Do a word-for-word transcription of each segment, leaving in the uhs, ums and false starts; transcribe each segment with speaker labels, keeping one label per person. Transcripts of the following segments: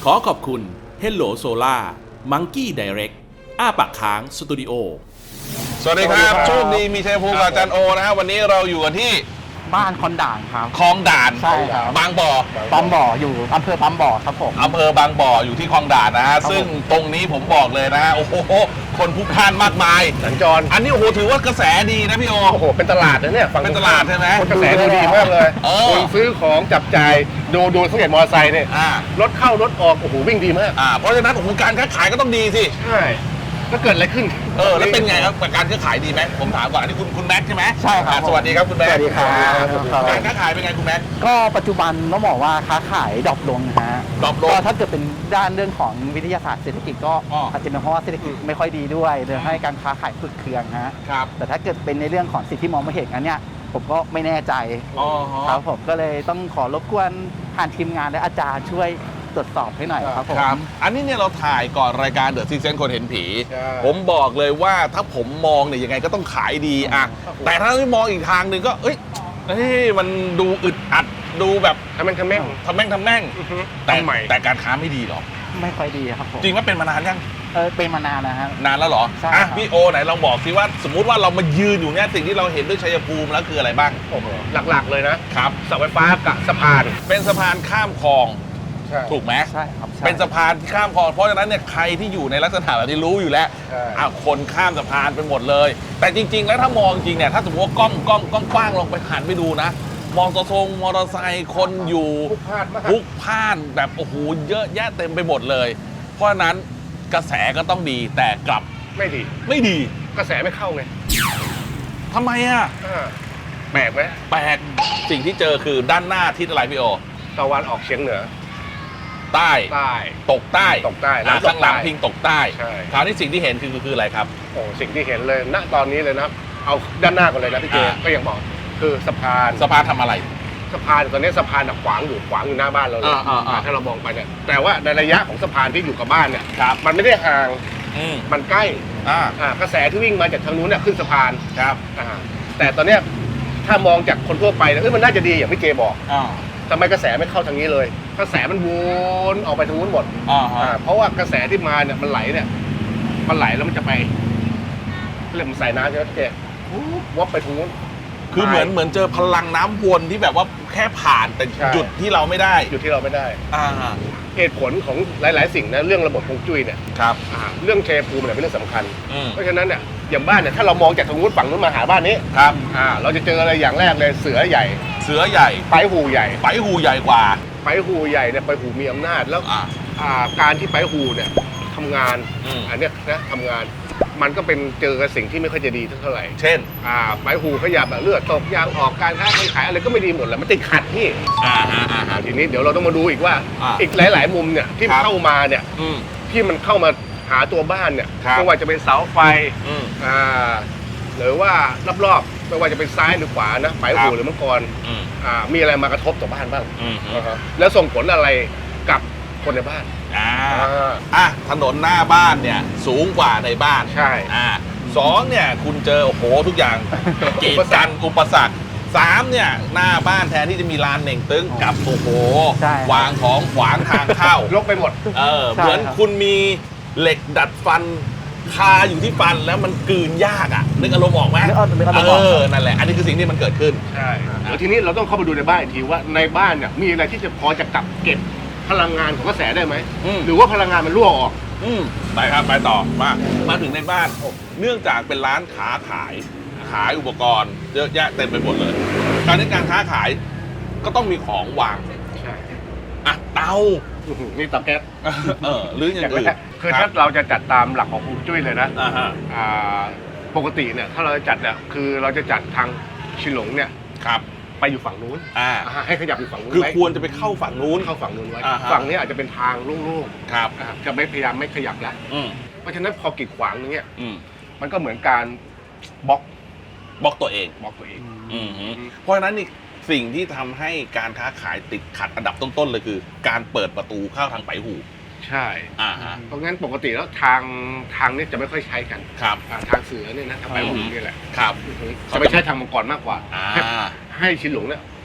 Speaker 1: ขอขอบคุณ Hello Solar Monkey Direct อ้าปากค้างสตูดิโอสวัสดีครับโชคดีมีชัยภูมิกับอาจารย์โอนะฮะวันนี้เราอยู่กันที่
Speaker 2: บ้านคอนด่านครับ
Speaker 1: คลองด่าน
Speaker 2: ใช่ครับ
Speaker 1: บางบ่อ
Speaker 2: ปั๊มบ่ออยู่อำเภอปั๊มบ่อครับผม
Speaker 1: อำเภอบางบ่ออยู่ที่คลองด่านนะฮะซึ่งตรงนี้ผมบอกเลยนะฮะโอ้โหคนพลุกพล่านมากมาย
Speaker 3: สัญจร
Speaker 1: อันนี้โอ้โหถือว่ากระแสดีนะพี่โอ
Speaker 3: โอ้โหเป็นตลาดนะเนี่ย
Speaker 1: เป็นตลาดใช่ไหม
Speaker 3: กระแสดูดีมากเลยคนซื้อของจับจ่ายดูดูสังเกตมอเตอร์ไซค์เนี่ยรถเข้ารถออกโอ้โหวิ่งดีมาก
Speaker 1: อ่าเพราะฉะนั้นโอ้โหการค้าขายก็ต้องดีสิ
Speaker 3: ใช่แล้วเกิดอะไรขึ้น
Speaker 1: เออแล้วเป็นไงครับการค้าขายดีไหมผมถามก่อนอันนี้คุณคุณแม็กใช่ไหม
Speaker 2: ใช่ครับ
Speaker 1: สวัสดีครับคุณแม็ก
Speaker 3: สวัสดีครับ
Speaker 1: การค้าขายเป็นไงคุณแม็ก
Speaker 2: ก็ปัจจุบันต้องบอกว่าค้าขายดรอปลงนะฮะ
Speaker 1: ดรอปลง
Speaker 2: ก็ถ้าเกิดเป็นด้านเรื่องของวิทยาศาสตร์เศรษฐกิจก็อาจจะเป็นเพราะว่าเศรษฐกิจไม่ค่อยดีด้วยเลยให้การค้าขายฝึกเคืองฮะ
Speaker 1: ครับ
Speaker 2: แต่ถ้าเกิดเป็นในเรื่องของสิ่งที่มองไม่เห็นอันเนี้ยผมก็ไม่แน่ใจครับผมก็เลยต้องขอรบกวนผ่านทีมงานและอาจารย์ช่วยตรวจสอบให้หน่อยครับผม
Speaker 1: อันนี้เนี่ยเราถ่ายก่อนรายการเดอะซิกเซนคนเห็นผีผมบอกเลยว่าถ้าผมมองเนี่ยยังไงก็ต้องขายดีอะแต่ถ้าไม่มองอีกทางหนึ่งก็เอ้ยมันดูอึดอัดดูแบบ
Speaker 3: ทำแม่งทำแม่ง
Speaker 1: ทำแม่งทำแม่งแต่แต่การค้าไม่ดีหรอ
Speaker 2: ไม่ค่อยดีครับผม
Speaker 1: จริงว่าเป็นมานานยัง
Speaker 2: เออเป็นมานานนะฮะ
Speaker 1: นานแล้วเหรออ่ะพี่โอไหนลองบอกสิว่าสมมุติว่าเรามายืนอยู่เนี่ยสิ่งที่เราเห็นด้วยชัยภูมิแล้วคืออะไรบ้าง
Speaker 3: หลักๆเลยนะครับเสาไฟฟ้ากับสะพาน
Speaker 1: เป็นสะพานข้ามคลองถูกไหม
Speaker 2: ใช่ครับ
Speaker 1: เป็นสะพานที่ข้ามคลองเพราะฉะนั้นเนี่ยใครที่อยู่ในลักษณะแบบนี้รู้อยู่แล้วอ่ะคนข้ามสะพานไปหมดเลยแต่จริงๆแล้วถ้ามองจริงเนี่ยถ้าสมมติว่ากล้องกล้องกล้องกว้างลงไปหันไปดูนะมองตะทงมอเตอร์ไซค์คนอยู่พลุกพล่านแบบโอ้โหเยอะแยะเต็มไปหมดเลยเพราะฉะนั้นกระแสก็ต้องดีแต่กลับ
Speaker 3: ไม่ดี
Speaker 1: ไม่ดี
Speaker 3: กระแสไม่เข้าไง
Speaker 1: ทำไมอ่ะ
Speaker 3: แปลกไหม
Speaker 1: แปลกสิ่งที่เจอคือด้านหน้าทิศอะไรพี่โอ
Speaker 3: ตะวันออกเฉียงเหนือ
Speaker 1: ใต้
Speaker 3: ใต้
Speaker 1: ตกใต้
Speaker 3: ตกใต้
Speaker 1: ข้างหลังพิงตกใต้
Speaker 3: ใช่
Speaker 1: คราวนี้สิ่งที่เห็นคือคืออะไรครับ
Speaker 3: โอ้สิ่งที่เห็นเลยณตอนนี้เลยนะเอาด้านหน้าก่อนเลยนะพี่เจก็ยังบอกคือสะพาน
Speaker 1: สะพานทำอะไร
Speaker 3: สะพานตอนนี้สะพานขวางอยู่ขวางอยู่หน้าบ้านเราเลยถ้าเรามองไปเนี่ยแต่ว่าในระยะของสะพานที่อยู่กับบ้านเนี่ยมันไม่ได้ห่างมันใกล้กระแสที่วิ่งมาจากทางนู้นเนี่ยขึ้นสะพาน
Speaker 1: ครับ
Speaker 3: แต่ตอนเนี้ยถ้ามองจากคนทั่วไปเนี่ยมันน่าจะดีอย่างพี่เจบอกทำไมกระแสไม่เข้าทางนี้เลยกระแสมันวนออกไปทางนู้นหมดเพราะว่ากระแสที่มาเนี่ยมันไหลเนี่ยมันไหลแล้วมันจะไปเรื่องมันใส่น้ำใช่ไหมพี่เจวับไปทางนู้น
Speaker 1: คือเหมือนเหมือนเจอพลังน้ำวนที่แบบว่าแค่ผ่านแต่หยุดที่เราไม่ได้
Speaker 3: หยุดที่เราไม่ได้เหตุผลของหลายๆสิ่งนะเรื่องระบบฮวงจุ้ยเนี่ย
Speaker 1: ครับ
Speaker 3: เรื่องชัยภูมิเนี่ยเป็นเรื่องสำคัญเพราะฉะนั้นเนี่ยอย่างบ้านเนี่ยถ้าเรามองจากทางนู้นฝั่งนู้นมาหาบ้านนี้
Speaker 1: ครับ
Speaker 3: เราจะเจออะไรอย่างแรกเลยเสือใหญ่
Speaker 1: เสือใหญ่
Speaker 3: ไปหูใหญ่
Speaker 1: ไปหูใหญ่กว่า
Speaker 3: ไปหูใหญ่เนี่ยไปหูมีอำนาจแล้วการที่ไปหูเนี่ยทำงานอันนี้นะทำงานมันก็เป็นเจอกับสิ่งที่ไม่ค่อยจะดีเท่าไหร่
Speaker 1: เช่น
Speaker 3: อ่าใบหูขยับแบบเลือดตกยางออกการค้าการขายอะไรก็ไม่ดีหมดแหละมันติดขัดพี่
Speaker 1: อ่าอ่าอ่า
Speaker 3: ทีนี้เดี๋ยวเราต้องมาดูอีกว่าอีกหลายๆมุมเนี่ยที่เข้ามาเนี่ยที่มันเข้ามาหาตัวบ้านเนี่ยไม่ว่าจะเป็นเสาไฟอ่าหรือว่ารอบๆไม่ว่าจะเป็นซ้ายหรือขวานะใบหูหรือมังกรอ่ามีอะไรมากระทบต่อบ้านบ้างแล้วส่งผลอะไรกับคนในบ้าน
Speaker 1: อ่าอ่ะถนนหน้าบ้านเนี่ยสูงกว่าในบ้าน
Speaker 3: ใช่
Speaker 1: อ่าสองเนี่ยคุณเจอโอ้โหทุกอย่างกีดกันอุปสรรคสามเนี่ยหน้าบ้านแทนที่จะมีลานเหน่งตึ้งกับโอ้โหวางของขวางทางเข้าร
Speaker 3: กไปหมด
Speaker 1: เออเหมือนคุณมีเหล็กดัดฟันคาอยู่ที่ฟันแล้วมันกลืนยากอ่ะนึกอารมณ์ออกไหมเออนั่นแหละอันนี้คือสิ่งที่มันเกิดขึ้น
Speaker 3: ใช่แล้วทีนี้เราต้องเข้าไปดูในบ้านอีกทีว่าในบ้านเนี่ยมีอะไรที่จะพอจะกลับเก็บพลังงานของกระแสได้ไหมหรือว่าพลังงานมันรั่วออก
Speaker 1: อืมไปครับไปต่อมามาถึงในบ้านเนื่องจากเป็นร้านค้าขายขายอุปกรณ์เยอะแยะเต็มไปหมดเลยการในการค้าขายก็ต้องมีของวาง
Speaker 3: ใช่
Speaker 1: อ่ะเตา
Speaker 3: นี่เตาแก๊ส
Speaker 1: เออหรืออย่างอื่น
Speaker 3: คือถ้าเราจะจัดตามหลักของฮวงจุ้ยเลยนะอ่าปกติเนี่ยถ้าเราจะจัดเนี่ยคือเราจะจัดทางชิหลงเนี่ย
Speaker 1: ครับ
Speaker 3: ไปอยู่ฝั่งนู้นให้ขยับอยู่ฝั่งนู้น
Speaker 1: คือควรจะไปเข้าฝั่งนู้น
Speaker 3: เข้าฝั่งนู้นไว้ฝั่งนี้อาจจะเป็นทางโล่ง
Speaker 1: ๆครับ
Speaker 3: จะไม่พยายามไม่ขยับแล้วเพราะฉะนั้นพอกีดขวางอย่างเงี้ยมันก็เหมือนการบล็อก
Speaker 1: บล็อกตัวเอง
Speaker 3: บล็อกตัวเอง
Speaker 1: เพราะฉะนั้นนี่สิ่งที่ทำให้การค้าขายติดขัดอันดับต้นๆเลยคือการเปิดประตูเข้าทางไปหู
Speaker 3: ใช่อ่าฮะเพราะงั้นปกติแล้วทางทางนี้จะไม่ค่อยใช้กัน
Speaker 1: ครับ
Speaker 3: ทางเสือเนี่ยนะทางไปหูนี่แหละ
Speaker 1: ครับ
Speaker 3: จะไม่ใช้ทางมังกรมากกว่าให้ชินหลงเนี่ย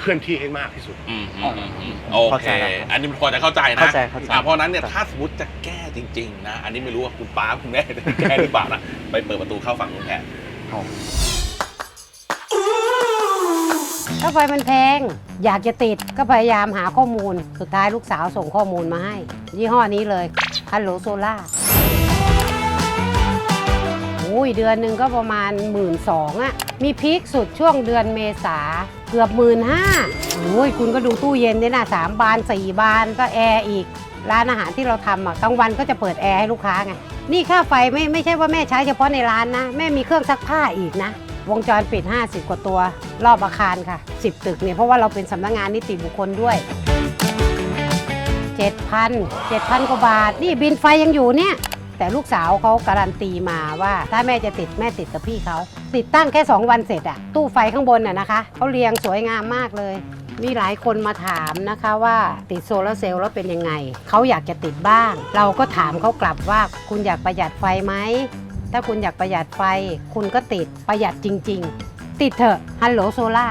Speaker 3: เคลื่อนที่ให้มากที่สุด
Speaker 1: อืมอืมอืมอืมโอ
Speaker 2: เข้า
Speaker 1: เค
Speaker 2: ใจแล้วครับ
Speaker 1: อันนี้พอจะเข้าใจนะ
Speaker 2: เข้าใจเข้าใจ
Speaker 1: อ่ะเพราะฉะนั้นเนี่ยถ้าสมมติจะแก้จริง ๆ นะ อันนี้ไม่รู้ว่าคุณป้าคุณแม่จะแก้หรือเปล่านะไปเปิดประตูเข้าฝั่งนู้นแทน
Speaker 4: ค่าไฟมันแพง อยากจะติดก็พยายามหาข้อมูล สุดท้ายลูกสาวส่งข้อมูลมาให้ ยี่ห้อนี้เลยฮัลโหลโซล่าอุ้ยเดือนหนึ่งก็ประมาณ หมื่นสองพัน อ่ะ มีพีคสุดช่วงเดือนเมษาเกือบ หมื่นห้าพัน โอ้ยคุณก็ดูตู้เย็นเนี่ยนะสามบานสี่บานก็แอร์อีก ร้านอาหารที่เราทำอ่ะกลางวันก็จะเปิดแอร์ให้ลูกค้าไง นี่ค่าไฟไม่ไม่ใช่ว่าแม่ใช้เฉพาะในร้านนะ แม่มีเครื่องซักผ้าอีกนะ วงจรปิด ห้าสิบ กว่าตัว รอบอาคารค่ะ สิบ ตึกเนี่ยเพราะว่าเราเป็นสำนักงานนิติบุคคลด้วย เจ็ดพัน เจ็ดพัน กว่าบาท นี่บินไฟยังอยู่เนี่ย แต่ลูกสาวเขาการันตีมาว่าถ้าแม่จะติดแม่ติดกับพี่เขา ติดตั้งแค่ สอง วันเสร็จอะตู้ไฟข้างบนน่ะนะคะเขาเรียงสวยงามมากเลย มีหลายคนมาถามนะคะว่าติดโซลาร์เซลล์แล้วเป็นยังไง เขาอยากจะติดบ้าง เราก็ถามเขากลับว่าคุณอยากประหยัดไฟไหม ถ้าคุณอยากประหยัดไฟ คุณก็ติดประหยัดจริง ๆ ติดเถอะฮัลโหลโซล่า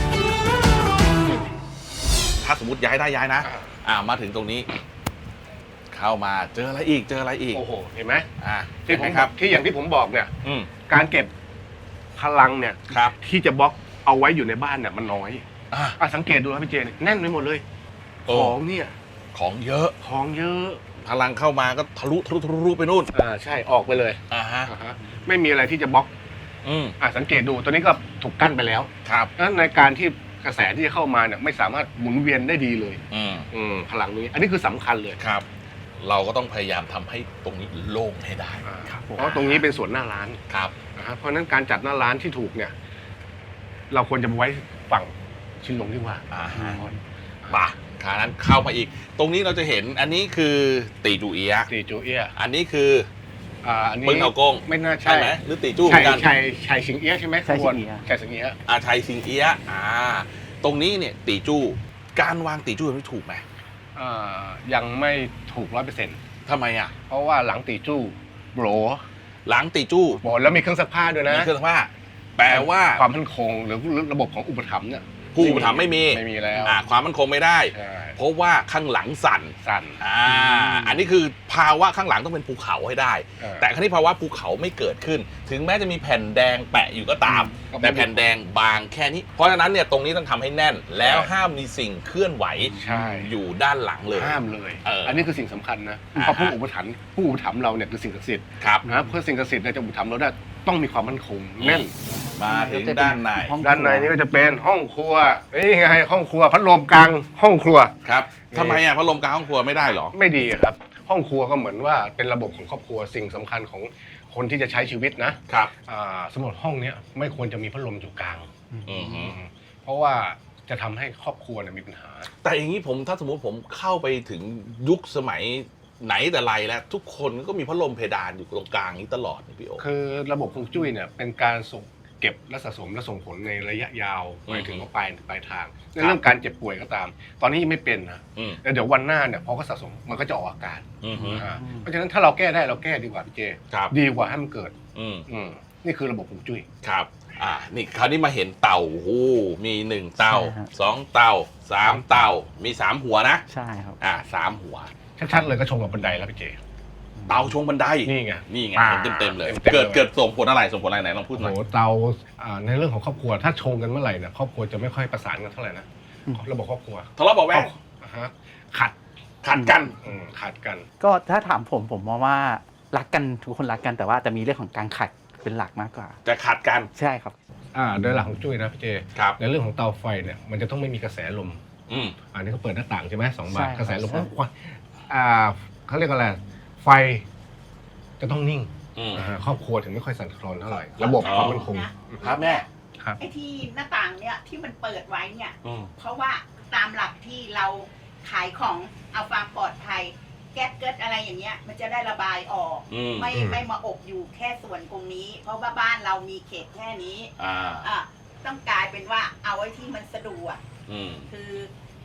Speaker 1: ถ้าสมมติย้ายได้ย้ายนะ
Speaker 3: อ่า
Speaker 1: อ่ามาถึงตรงนี้ เข้ามาเจออะไรอีกเจออะไรอีก
Speaker 3: โอ้โหเห็นไหม
Speaker 1: อ่า
Speaker 3: ที่
Speaker 1: เห็น
Speaker 3: ผ
Speaker 1: ไหม
Speaker 3: ม
Speaker 1: ครับ
Speaker 3: ที่อย่างที่ผมบอกเนี่ย
Speaker 1: อืม
Speaker 3: การเก็บพลังเนี่ย
Speaker 1: ครับ
Speaker 3: ที่จะบล็อกเอาไว้อยู่ในบ้านเนี่ยมันน้อย
Speaker 1: อ่า
Speaker 3: อ่ะสังเกตดูนะพี่เจเนี่ยแน่นไปหมดเลย
Speaker 1: โอ้
Speaker 3: ของเนี่ย
Speaker 1: ของเยอะ
Speaker 3: ของเยอะ
Speaker 1: พลังเข้ามาก็ทะลุทะลุทะลุไปนู่น
Speaker 3: อ่าใช่ออกไปเลย
Speaker 1: อ่าฮะ
Speaker 3: อ่าฮะไม่มีอะไรที่จะบล็อก
Speaker 1: อืม
Speaker 3: อ่ะสังเกตดูตัวนี้ก็ถูกกั้นไปแล้ว
Speaker 1: ครับ
Speaker 3: นั้นในการที่กระแสที่จะเข้ามาเนี่ยไม่สามารถหมุนเวียนได้ดีเลย
Speaker 1: อืม
Speaker 3: อืมพลังนี้ อันนี้คือสำคัญเลย
Speaker 1: ครับ เราก็ต้องพยายามทำให้ตรงนี้โล่งให้ได้
Speaker 3: อ่า
Speaker 2: ครับผม
Speaker 3: เพราะตรงนี้เป็นส่วนหน้าร้าน
Speaker 1: ครับ
Speaker 3: นะฮะเพราะฉะนั้นการจัดหน้าร้านที่ถูกเนี่ย เราควรจะไปไว้ฝั่งชินลงที่ว่า
Speaker 1: อ่าฮะป่ะขานั้นเข้ามาอีก ตรงนี้เราจะเห็นอันนี้คือตีจูเอียะ
Speaker 3: ตีจูเอีย
Speaker 1: อันนี้คือ
Speaker 3: อ่าอันนี้
Speaker 1: ปึ้งเอากง
Speaker 3: ไม่น่า
Speaker 1: ใช่
Speaker 3: ใช่
Speaker 1: ไหมหรือตีจู้เหมื
Speaker 3: ชั
Speaker 1: อย นกัน
Speaker 3: ชัยชัยสิงเอี้ยใช่ไหม
Speaker 2: ชัยสิงเอี้ย
Speaker 3: ชัยสิงเอี้ย
Speaker 1: อาชัยซิงเอียะอ่า ตรงนี้เนี่ยตีจู้การวางตีจู้มันถูกไหม
Speaker 3: อ่ายังไม่ถูกร้อยเปอร์เซ็นต์
Speaker 1: ทำไมอ่ะ
Speaker 3: เพราะว่าหลังตีจู้โบร
Speaker 1: หลังตีจู้
Speaker 3: โบรแล้วมีเครื่องซักผ้าด้วยนะ
Speaker 1: มีเครื่องซักผ้าแปลว่า
Speaker 3: ความมั่นคงหรือระบบของอุปถัมภ์เนี่ย
Speaker 1: ผู้อุปถัมภ์ไม่มี
Speaker 3: ไม่มีแล้ว
Speaker 1: อ่าความมั่นคงไม่ได้
Speaker 3: ใช่
Speaker 1: เพราะว่าข้างหลังสั่น
Speaker 3: สั่น
Speaker 1: อ่าอันนี้คือภาวะข้างหลังต้องเป็นภูเขาให้ได้
Speaker 3: เออ
Speaker 1: แต่ครั้นี้ภาวะภูเขาไม่เกิดขึ้น ถึงแม้จะมีแผ่นแดงแปะอยู่ก็ตาม
Speaker 3: ก็ไม่
Speaker 1: แต่แผ่นแดงบางแค่นี้ เพราะฉะนั้นเนี่ยตรงนี้ต้องทำให้แน่น แล้ว
Speaker 3: ใช่
Speaker 1: ห้ามมีสิ่งเคลื่อนไหว
Speaker 3: ใช่
Speaker 1: อยู่ด้านหลังเลย
Speaker 3: ห้ามเลย
Speaker 1: เอออั
Speaker 3: อันนี้คือสิ่งสำคัญนะ
Speaker 1: อ่า
Speaker 3: เพราะผู้อุปถัมภ์ผู้อุปถัมภ์เราเนี่ยคือสิ่งศักดิ์สิทธิ์
Speaker 1: ครับ
Speaker 3: นะเพื่อสิ่งศักดิ์สิทธิ์เนี่ยจะอุปถัมภ์เราได้ต้องมีความมั่นคงแน่น
Speaker 1: มาถึงด้านใน
Speaker 2: ห้อง
Speaker 3: ด้านในนี่ก็จะเป็นห้องครัวนี่ไงห้องครัวพัดลมกลางห้องครัว
Speaker 1: ครับทำไมอ่ะพัดลมกลางห้องครัวไม่ได้เหรอ
Speaker 3: ไม่ดีอะครับ ห้องครัวก็เหมือนว่าเป็นระบบของครอบครัวสิ่งสำคัญของคนที่จะใช้ชีวิตนะครับ อ่าสมมติห้องเนี้ยไม่ควรจะมีพัดลมอยู่กลาง
Speaker 1: อือฮึ
Speaker 3: เพราะว่าจะทำให้ครอบครัวเนี่ยมีปัญหา
Speaker 1: แต่อย่างนี้ผมถ้าสมมติผมเข้าไปถึงยุคสมัยไหนแต่ไรแล้ว ทุกคนก็มีพัดลมเพดานอยู่ตรงกลางนี้ตลอดนี่พี่โอ
Speaker 3: คือระบบฮวงจุ้ยเนี่ยเป็นการส่งเก็บและสะสมและส่งผลในระยะยาว
Speaker 1: อืม
Speaker 3: หมายถึงว่าปลายปลายทางในเรื่องการเจ็บป่วยก็ตาม ตอนนี้ยังไม่เป็นนะ
Speaker 1: อืม
Speaker 3: แต่เดี๋ยววันหน้าเนี่ยพอก็สะสมมันก็จะออกอาการ
Speaker 1: อือฮึ
Speaker 3: อ่าเพราะฉะนั้นถ้าเราแก้ได้เราแก้ดีกว่าพี่เจ
Speaker 1: ครับ
Speaker 3: ดีกว่าให้มันเกิด
Speaker 1: อืม
Speaker 3: อืมนี่คือระบบฮวงจุ้ย
Speaker 1: ครับ อ่า นี่คราวนี้มาเห็นเต่าโอ้โหมีหนึ่งเต่า
Speaker 2: ใช่ฮะ
Speaker 1: สองเต่าสามเต่า มีสามหัวนะ
Speaker 2: ใช่ครับ
Speaker 1: อ่าสามหัว
Speaker 3: ชัดๆเลยก็ชงกับบันไดแล้วพี่เจ
Speaker 1: เต่าชงบันได
Speaker 3: นี่ไง
Speaker 1: นี่ไง
Speaker 3: อ่า
Speaker 1: เห็นเต็มๆเลย
Speaker 3: เต็มๆ
Speaker 1: เกิด
Speaker 3: เลย
Speaker 1: เกิดส่งผลอะไรส่งผลอะไรไหนลองพูด
Speaker 3: โอ้
Speaker 1: หน่อย
Speaker 3: โหเตาอ่าในเรื่องของครอบครัวถ้าชงกันเมื่อไหร่เนี่ยครอบครัวจะไม่ค่อยประสานกันเท่าไหร่นะ
Speaker 2: อืม
Speaker 3: ระบบครอบครัว
Speaker 1: ทะเลาะเบาะแวง
Speaker 3: อ่าฮะขัด
Speaker 1: ขัดกัน
Speaker 3: อืมขัดกัน
Speaker 2: ก็ถ้าถามผมผมมองว่ารักกันทุกคนรักกันแต่ว่าจะมีเรื่องของการขัดเป็นหลักมากกว่า
Speaker 1: จะขัดกัน
Speaker 2: ใช่ครับ
Speaker 3: อ่าโดยหลักของจุ้ยนะพี่เจ
Speaker 1: ครับ
Speaker 3: ในเรื่องของเตาไฟเนี่ยมันจะต้องไม่มีกระแสลม
Speaker 1: อืม
Speaker 3: อันนี้เขาเปิดหน้าต่างใช่ไหมสองบาน
Speaker 2: ใช่ครับ
Speaker 3: กระแสลม
Speaker 2: ใช่
Speaker 3: ควันอ่าเขาเรียกอะไรไฟจะต้องนิ่ง
Speaker 1: อืม
Speaker 3: อ่าครอบครัวถึงไม่ค่อยสั่นคลอนเท่าไหร่ระบบความมั่นคง
Speaker 1: ครับแม่
Speaker 3: ครับ
Speaker 5: ไอ้ที่หน้าต่างเนี่ยที่มันเปิดไว้เนี่ย
Speaker 1: อืม
Speaker 5: เพราะว่าตามหลักที่เราขายของเอาความปลอดภัย แก๊สเกิดอะไรอย่างเงี้ย มันจะได้ระบายออก
Speaker 1: อืม
Speaker 5: ไม่
Speaker 3: อืม
Speaker 5: ไม่มาอบอยู่แค่ส่วนตรงนี้ เพราะว่าบ้านเรามีเขตแค่นี้
Speaker 1: อ่า
Speaker 5: อ่ะต้องกลายเป็นว่าเอาไว้ที่มันสะดวก
Speaker 1: อืม
Speaker 5: คือ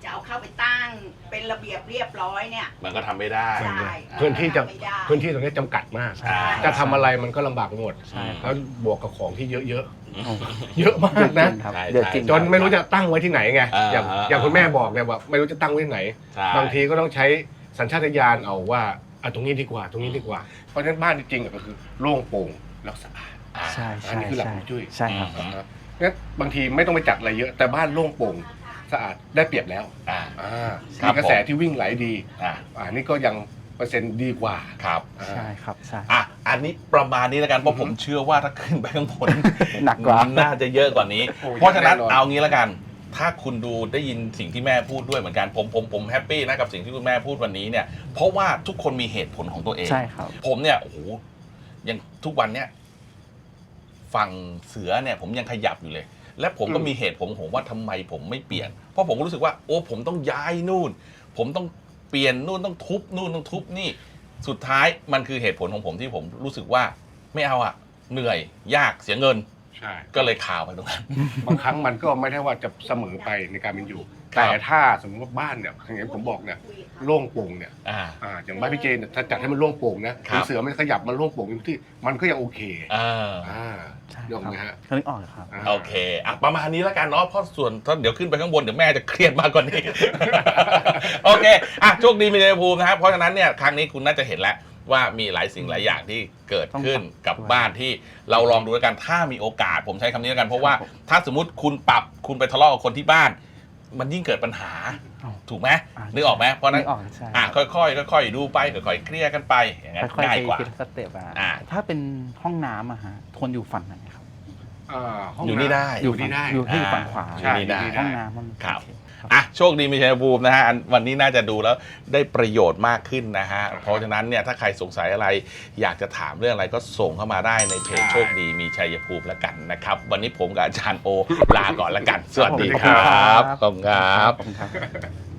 Speaker 5: จะเอาเข้าไปตั้งเป็นระเบียบเรียบร้อยเนี่ย
Speaker 1: มันก็ทำไม่ได้
Speaker 5: ใช่
Speaker 3: พื้นที่จะ
Speaker 5: ไม่ได้
Speaker 3: พื้นที่ตรงนี้จำกัดมาก
Speaker 2: ใช่
Speaker 3: จะทำอะไรมันก็ลำบากไปหมด
Speaker 2: ใช่ครับ
Speaker 3: แล้วบวกกับของที่เยอะ
Speaker 2: โอ้
Speaker 3: ๆ เยอะมากนะ
Speaker 2: ครับ
Speaker 1: ใช่
Speaker 2: เดือดจริง
Speaker 3: จนไม่รู้จะตั้งไว้ที่ไหนไง
Speaker 1: อ่า
Speaker 3: อย่างอย่างคุณแม่บอกเนี่ยว่าไม่รู้จะตั้งไว้ที่ไหน
Speaker 1: ใช่
Speaker 3: บางทีก็ต้องใช้สัญชาตญาณเอาว่าอ่ะตรงนี้ดีกว่า ตรงนี้ดีกว่า เพราะฉะนั้นบ้านจริงๆอ่ะก็คือโล่งโปร่งแล้วสะอาด
Speaker 1: อ่า
Speaker 2: ใช่
Speaker 3: อัน
Speaker 2: ใช่
Speaker 3: นี้คือหลัก
Speaker 2: ใช่
Speaker 3: ฮวงจุ้ย
Speaker 2: ใช่ครับ
Speaker 1: อืม
Speaker 3: นะครับงั้นบางทีไม่ต้องไปจัดอะไรเยอะ แต่บ้านโล่งโปร่งสะอาดได้เปรียบแล้ว
Speaker 1: อ่า
Speaker 3: อ่า
Speaker 1: ครับ
Speaker 3: มีกระแสที่วิ่งไหลดี
Speaker 1: อ่า
Speaker 3: อ่านี่ก็ยังเปอร์เซ็นต์ดีกว่า
Speaker 1: ครับ
Speaker 3: อ่า
Speaker 2: ใช่ครับใช่
Speaker 1: อ่ะอันนี้ประมาณนี้แล้วกันเพราะ
Speaker 3: อือฮึ
Speaker 1: ผมเชื่อว่าถ้าขึ้นไปข้างบน
Speaker 2: หนักกว่า
Speaker 1: น่าจะเยอะกว่านี้
Speaker 3: โอ้ย
Speaker 1: เพราะฉะนั้น
Speaker 3: แน่นอน
Speaker 1: เอางี้แล้วกัน ถ้าคุณดูได้ยินสิ่งที่แม่พูดด้วยเหมือนกันผมผมผมแฮปปี้นะกับสิ่งที่คุณแม่พูดวันนี้เนี่ยเพราะว่าทุกคนมีเหตุผลของตัวเอง
Speaker 2: ใช่ครับ
Speaker 1: ผมเนี่ยโอ้โหยังทุกวันเนี่ยฝั่งเสือเนี่ยผมยังขยับอยู่เลย และผมก็
Speaker 3: อืม
Speaker 1: มีเหตุผลของผมว่าทำไมผมไม่เปลี่ยน เพราะผมก็รู้สึกว่าโอ้ผมต้องย้ายนู่น ผมต้องเปลี่ยนนู่นต้องทุบนู่นต้องทุบนี่ สุดท้ายมันคือเหตุผลของผมที่ผมรู้สึกว่าไม่เอาอะเหนื่อยยากเสียเงิน
Speaker 3: ใช่
Speaker 1: ก็เลยข่าวไปตรงนั้น
Speaker 3: บางครั้งมันก็ไม่ได้ว่าจะเสมอไปในการเป็นอยู่
Speaker 1: ครับ
Speaker 3: แต่ถ้าสมมติว่าบ้านเนี่ยอย่างที่ผมบอกเนี่ยโล่งโปร่งเนี่ย
Speaker 1: อ่า
Speaker 3: อ่าอย่างบ้านพี่เจนเนี่ยถ้าจัดให้มันโล่งโปร่งนะครับ เสือมันขยับมันโล่งโปร่งอยู่ที่มันก็ยังโอเค
Speaker 1: อ่า
Speaker 3: อ่า
Speaker 2: ใช่
Speaker 3: ยอม
Speaker 2: ครับ
Speaker 3: ไหมฮะ
Speaker 2: เขานึกออกเลยครับ
Speaker 3: า
Speaker 1: โอเคอ่ะประมาณนี้แล้วกันเนาะเพราะส่วนถ้าเดี๋ยวขึ้นไปข้างบนเดี๋ยวแม่จะเครียดมากกว่านี้ โอเคอ่ะโชคดีมีชัยภูมินะครับเพราะฉะนั้นเนี่ยครั้งนี้คุณน่าจะเห็นแล้วว่ามีหลายสิ่งหลายอย่างที่เกิดขึ้นกับบ้านที่เราลองดูแล้วกันถ้ามีโอกาสผมใช้คำนี้แล้วกันเพราะว่า
Speaker 2: ครับผม
Speaker 1: ถ้าสมมติคุณปรับคุณไปทะเลาะกับคนที่บ้าน มันยิ่งเกิดปัญหา
Speaker 2: อ้าว
Speaker 1: ถูกไหม
Speaker 2: อ่า
Speaker 1: นึกออกไหมเพราะฉะนั้น
Speaker 2: นึกออกใช่
Speaker 1: อ่ะค่อยๆค่อยๆดูไปค่อยๆเคลียร์กันไปอย่างนั้น
Speaker 2: ค่อยๆ
Speaker 1: ง่าย
Speaker 2: ไป
Speaker 1: กว่า
Speaker 2: ทีละสเต็ปอ่ะ
Speaker 1: อ่า
Speaker 2: ถ้าเป็นห้องน้ำอะฮะทนอยู่ฝั่งไหนครับ
Speaker 3: อ่าห้ง
Speaker 1: อยู่นี่ได้
Speaker 3: ำอยู่นี่ได้
Speaker 2: อยู่ที่ฝั่งขวา
Speaker 3: ใช่
Speaker 1: อยู่นี่ได้
Speaker 2: ห้องน้ำมัน
Speaker 1: ครับ
Speaker 2: โอเ
Speaker 1: อ่ะโชคดีมีชัยภูมินะฮะอันวันนี้น่าจะดูแล้วได้ประโยชน์มากขึ้นนะฮะเพราะฉะนั้นเนี่ยถ้าใครสงสัยอะไร อยากจะถามเรื่องอะไรก็ส่งเข้ามาได้ในเพจโชคดีมีชัยภูมิแล้วกันนะครับ วันนี้ผมกับอาจารย์โอลาก่อนแล้วกัน สวัสดีครับขอบคุณครับ
Speaker 2: ขอบคุณครับ